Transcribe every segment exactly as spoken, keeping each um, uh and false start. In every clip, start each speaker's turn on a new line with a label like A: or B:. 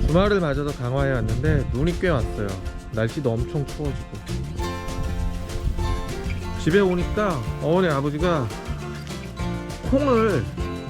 A: 주말을 맞아서 강화에 왔는데 눈이 꽤 왔어요. 날씨도 엄청 추워지고. 집에 오니까 어머니 아버지가 콩을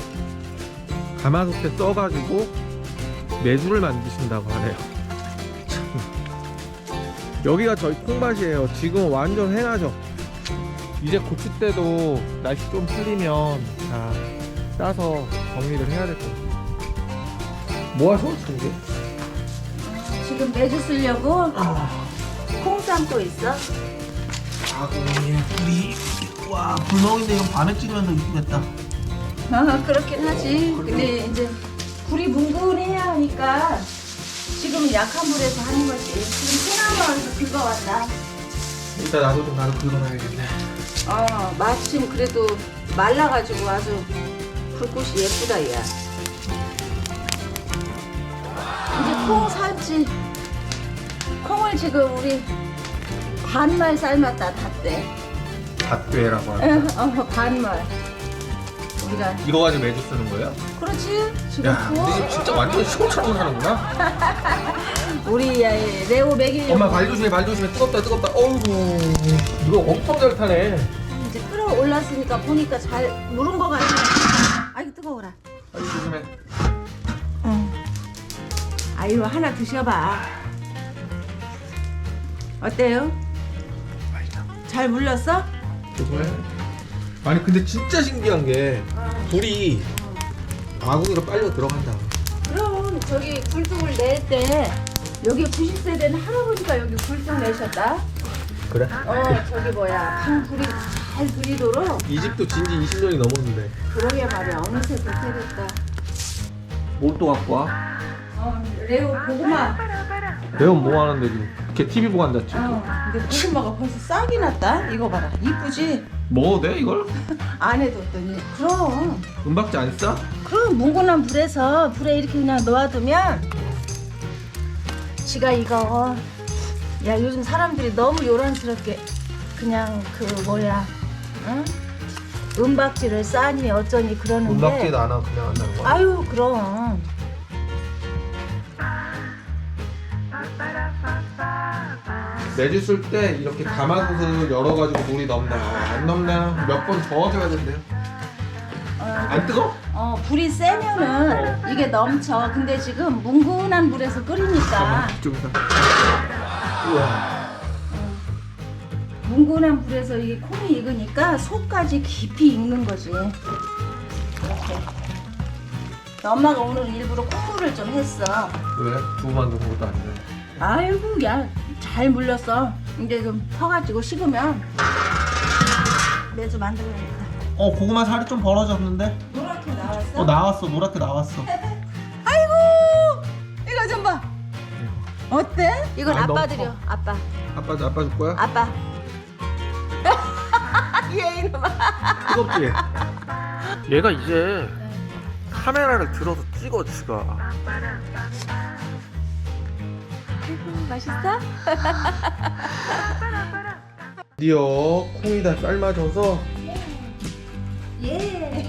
A: 가마솥에 써가지고 메주를 만드신다고 하네요. 참. 여기가 저희 콩밭이에요. 지금 완전 해나죠. 이제 고칠 때도 날씨 좀 풀리면 다 따서 정리를 해야 될 것 같아요. 뭐 하셔? 지금?
B: 지금 매주 쓰려고 콩 삶고 있어.
C: 아고니 불이 와 불멍인데 이건 밤에 찍으면 더 이쁘겠다.
B: 아, 그렇긴 하지. 근데 이제 불이 뭉근해야 하니까 지금 약한 불에서 하는 거지. 지금 소나무에서 긁어왔다.
A: 일단 나도 좀 나도 긁어놔야겠네.
B: 어, 마침 그래도 말라가지고 아주 불꽃이 예쁘다, 야. 이제 콩 삶지. 콩을 지금 우리 반말 삶았다, 닷대.
A: 갓괴라고 하는.
B: 어, 반말. 우리가.
A: 이거 가지고 매주 쓰는 거예요?
B: 그렇지. 지금
A: 야,
B: 구워.
A: 근데 지금 진짜 완전 시골처럼 사는구나.
B: 우리 야, 레오 먹이려고.
A: 엄마 발 조심해, 발 조심해. 뜨겁다, 뜨겁다. 어이구, 이거 엄청 잘 타네.
B: 이제 끓어올랐으니까 보니까 잘 무른 거 같아. 아이고 뜨거워라.
A: 발 조심해.
B: 응. 아유 하나 드셔봐. 어때요?
A: 맛있다.
B: 잘 물렀어?
A: 조심해. 아니 근데 진짜 신기한 게 불이 아궁이로 빨려 들어간다.
B: 그럼 저기 굴뚝을 낼 때 여기 구십 세 된 할아버지가 여기 굴뚝 내셨다.
A: 그래?
B: 어 저기 뭐야 방 불이 잘 들이도록.
A: 이 집도 진지 이십 년이 넘었는데.
B: 그러게 말이야 어느새 그렇게 됐다.
A: 뭘 또 갖고 와?
B: 어 레오 고구마.
A: 레온 뭐 하는데 지금? 걔 티비 보고 앉았지.
B: 어 근데 고구마가 벌써 싹이 났다. 이거 봐라 이쁘지?
A: 먹어도 돼 이걸?
B: 안에 뒀더니 그럼
A: 은박지 안 싸?
B: 그럼 뭉근한 불에서 불에 이렇게 그냥 놓아두면 지가 이거 야 요즘 사람들이 너무 요란스럽게 그냥 그 뭐야 응? 은박지를 싸니 어쩌니 그러는데
A: 은박지도 안 하고 그냥 한다는 거야?
B: 아유 그럼
A: 매주 쓸 때 이렇게 가마솥을 열어가지고 물이 넘나 안 넘나 몇 번 저어줘야 된대요.
B: 어,
A: 안 뜨거?
B: 어 불이 세면은 이게 넘쳐. 근데 지금 뭉근한 불에서 끓이니까
A: 이쪽에서. 우와.
B: 뭉근한 불에서 이게 콩이 익으니까 속까지 깊이 익는 거지. 이렇게. 엄마가 오늘 일부러 콩물을 좀 했어.
A: 왜? 두부 만든 것도 아닌데.
B: 아이고 야 잘 물렸어. 이제 좀 퍼가지고 식으면 매주 만들어야겠다.
C: 어 고구마 살이 좀 벌어졌는데?
B: 노랗게 나왔어?
C: 어 나왔어 노랗게 나왔어.
B: 아이고 이거 좀 봐. 어때? 이건
A: 아,
B: 아빠
A: 너무
B: 드려.
A: 커.
B: 아빠.
A: 아빠 아빠 줄 거야?
B: 아빠. 얘 이놈아.
A: 뜨겁지? 얘가 이제 카메라를 들어서 찍어 지가.
B: 맛있어?
A: 드디어 콩이 다 삶아져서
B: 예.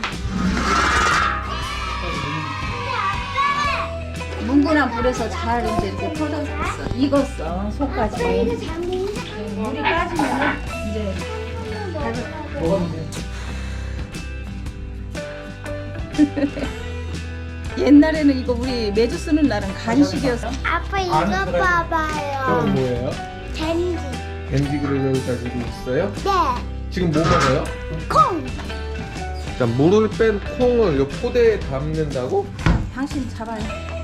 B: 뭉근한 불에서 잘 이제 이렇게 퍼졌어. 익었어. 속까지. 물이 빠지면 이제
A: 먹으면 돼.
B: 옛날에는 이거 우리 매주 쓰는 날은 간식이었어.
D: 아빠 이거
A: 안 그래.
D: 봐봐요.
A: 그건 뭐예요?
D: 댄디.
A: 밴디그를 가지고 있어요?
D: 네.
A: 지금 뭐 먹어요?
D: 콩.
A: 자, 물을 뺀 콩을 요 포대에 담는다고?
B: 당신 잡아요.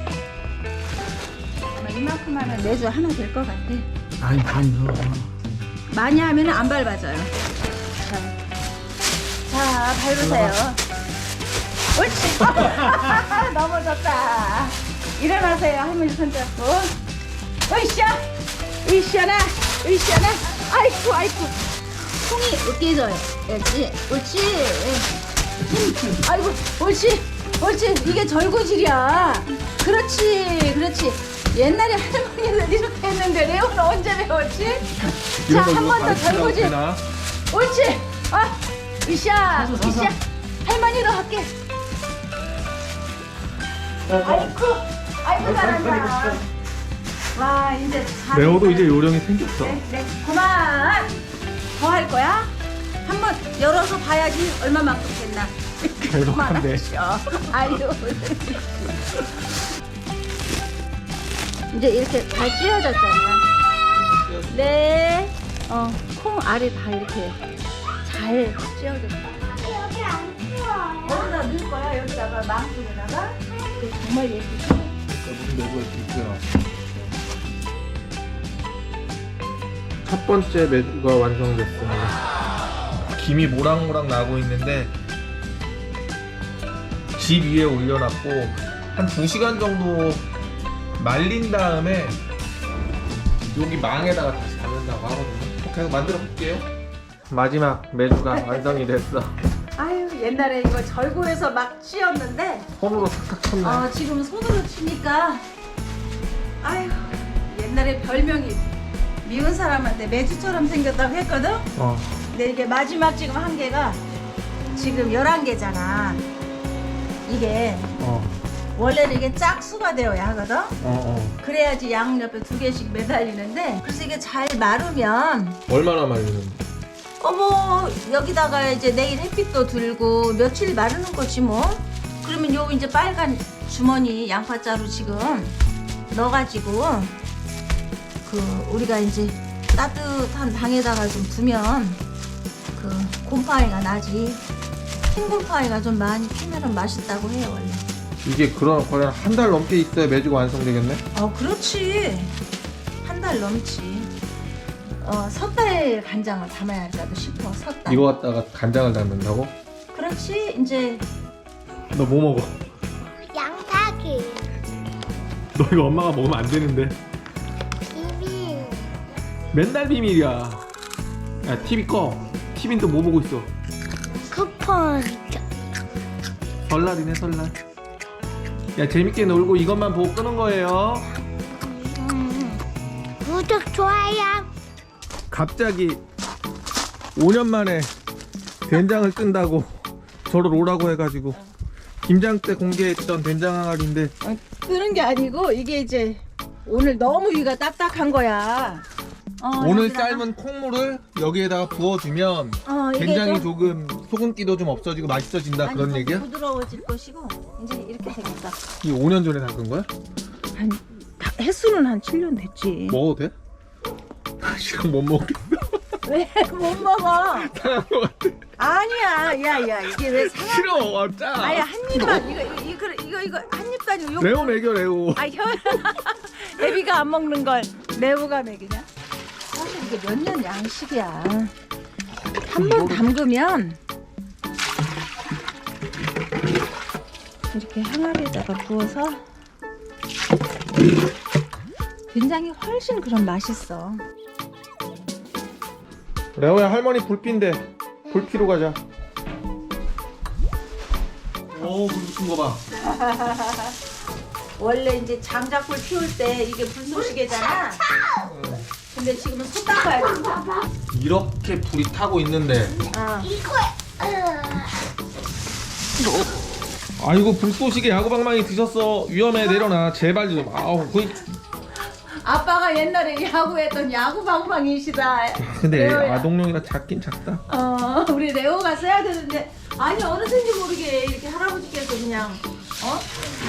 B: 아마 이만큼 하면 매주 하나 될 것 같아.
C: 아니 많이 넣어.
B: 많이 하면 안 밟아져요. 자, 자 밟으세요. 옳지. 넘어졌다. 일어나세요. 할머니 손잡고. 으쌰. 으쌰나. 으쌰나. 아이쿠 아이쿠. 콩이 으깨져요. 옳지. 옳지. 아이고 옳지. 옳지. 이게 절구질이야. 그렇지. 그렇지. 옛날에 할머니는 이렇게 했는데 레오는 언제 배웠지? 자, 한 번 더 절구질. 옳지. 아, 으쌰. 으쌰. 할머니도 할게. 아이쿠, 아이고 잘한다. 와 이제 잘.
A: 레오도 이제 요령이 생겼어.
B: 네, 네. 그만. 더 할 거야? 한번 열어서 봐야지 얼마만큼 됐나.
A: 대박한데.
B: 아유. 이제 이렇게 잘 찢어졌잖아. 네. 어, 콩 알이 다 이렇게 잘 찢어졌어.
D: 여기 안 추워요.
B: 여기다 넣을 거야. 여기다가 망둥에다가. 그 정말 예쁘죠?
A: 무슨 매주가 있고요. 첫 번째 매주가 완성됐습니다. 김이 모락모락 나고 있는데 집 위에 올려놨고 한 두 시간 정도 말린 다음에 여기 망에다가 다시 담는다고 하거든요. 계속 만들어 볼게요. 마지막 매주가 완성이 됐어.
B: 아유 옛날에 이거 절구해서 막 찧었는데
A: 손으로 탁탁 쳤네.
B: 어, 지금 손으로 치니까 아유 옛날에 별명이 미운 사람한테 매주처럼 생겼다고 했거든.
A: 어.
B: 근데 이게 마지막 지금 한 개가 지금 열한 개잖아. 이게
A: 어.
B: 원래는 이게 짝수가 되어야 하거든.
A: 어. 어.
B: 그래야지 양옆에 두 개씩 매달리는데 그래서 이게 잘 마르면
A: 얼마나 말리는데?
B: 어머 여기다가 이제 내일 햇빛도 들고 며칠 마르는 거지 뭐. 그러면 요 이제 빨간 주머니 양파자루 지금 넣어가지고 그 우리가 이제 따뜻한 방에다가 좀 두면 그 곰팡이가 나지. 흰 곰팡이가 좀 많이 피면은 맛있다고 해요 원래.
A: 이게 그럼 거의 한 달 넘게 있어야 매주가 완성되겠네?
B: 어 그렇지. 한 달 넘지. 어 섣달 간장을 담아야 할까도 싶어. 섣달.
A: 이거 갖다가 간장을 담는다고?
B: 그렇지. 이제
A: 너 뭐 먹어?
D: 양파기.
A: 너 이거 엄마가 먹으면 안 되는데.
D: 비빔.
A: 맨날 비밀이야. 야 티비 꺼. 티비는 또 뭐 보고 있어?
D: 쿠폰.
A: 설날이네 설날. 야 재밌게 놀고 이것만 보고 끄는 거예요.
D: 음. 구독 좋아요.
A: 갑자기 오 년 만에 된장을 뜬다고 저를 오라고 해가지고 김장 때 공개했던 된장 항아리인데
B: 어, 뜨는 게 아니고 이게 이제 오늘 너무 위가 딱딱한 거야. 어,
A: 오늘
B: 여기다가-
A: 삶은 콩물을 여기에다가 부어주면
B: 어, 이게
A: 된장이
B: 좀-
A: 조금 소금기도 좀 없어지고 맛있어진다
B: 아니,
A: 그런
B: 좀
A: 얘기야?
B: 부드러워질 것이고 이제 이렇게 생겼다.
A: 이 오 년 전에 담근 거야?
B: 한 다- 횟수는 한 칠 년 됐지.
A: 먹어도 돼? 지금 못 먹겠어.
B: 왜 못 먹어?
A: 상한 거 같아.
B: 아니야, 야야 이게 왜 상한?
A: 싫어, 아, 짜.
B: 아야 한 입만 이거 이거 이거 이거, 이거 한 입도 아니고 요.
A: 레오 먹여 레오.
B: 아 혀. 애비가 안 먹는 걸 레오가 먹이냐? 사실 이게 몇 년 양식이야. 한 번 담그면 이렇게 항아리에다가 부어서 된장이 훨씬 그럼 맛있어.
A: 레오야 할머니 불핀데 불 피러 가자. 오, 불 붙은 거 봐.
B: 원래 이제 장작불 피울 때 이게 불쏘시개잖아. 근데 지금은 손 닦아야 돼.
A: 이렇게 불이 타고 있는데.
B: 어.
D: 이거.
A: 아이고 불쏘시개 야구방망이 드셨어. 위험해 내려놔 제발 좀. 아우 그.
B: 아빠가 옛날에 야구했던 야구 방망이시다.
A: 근데
B: 레오야.
A: 아동용이라 작긴 작다.
B: 어, 우리 레오가 써야 되는데 아니 어느샌지 모르게 이렇게 할아버지께서 그냥 어?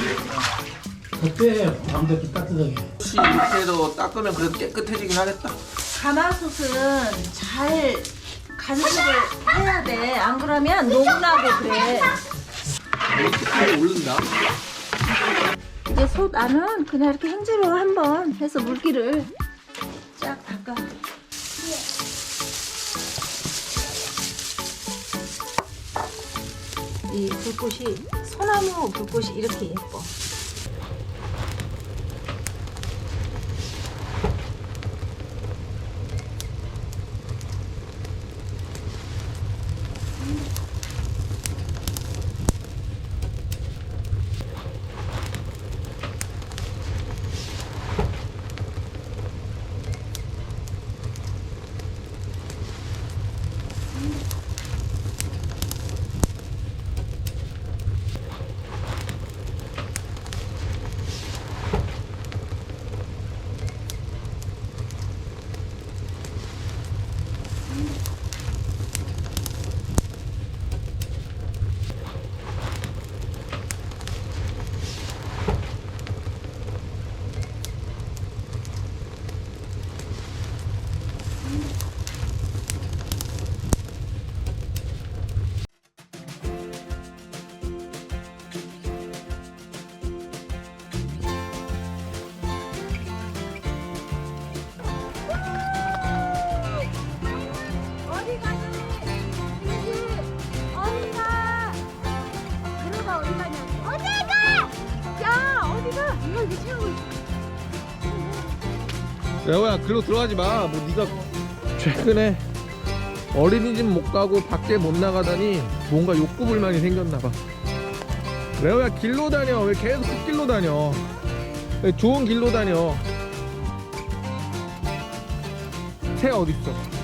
C: 어때? 밤새도 따뜻하게.
A: 혹시 이렇게도 닦으면 그래도 깨끗해지긴 하겠다.
B: 가마솥은 잘 간섭을 해야 돼. 안 그러면 녹나고 그래.
A: 이렇게 잘 오른다.
B: 이제 솥 안은 그냥 이렇게 행주로 한번 해서 물기를 쫙 닦아. 이 불꽃이 소나무 불꽃이 이렇게 예뻐.
A: 레오야 글로 들어가지 마. 뭐 네가 최근에 어린이집 못 가고 밖에 못 나가다니 뭔가 욕구불만이 생겼나봐. 레오야 길로 다녀. 왜 계속 그 길로 다녀? 왜 좋은 길로 다녀? 새 어딨어?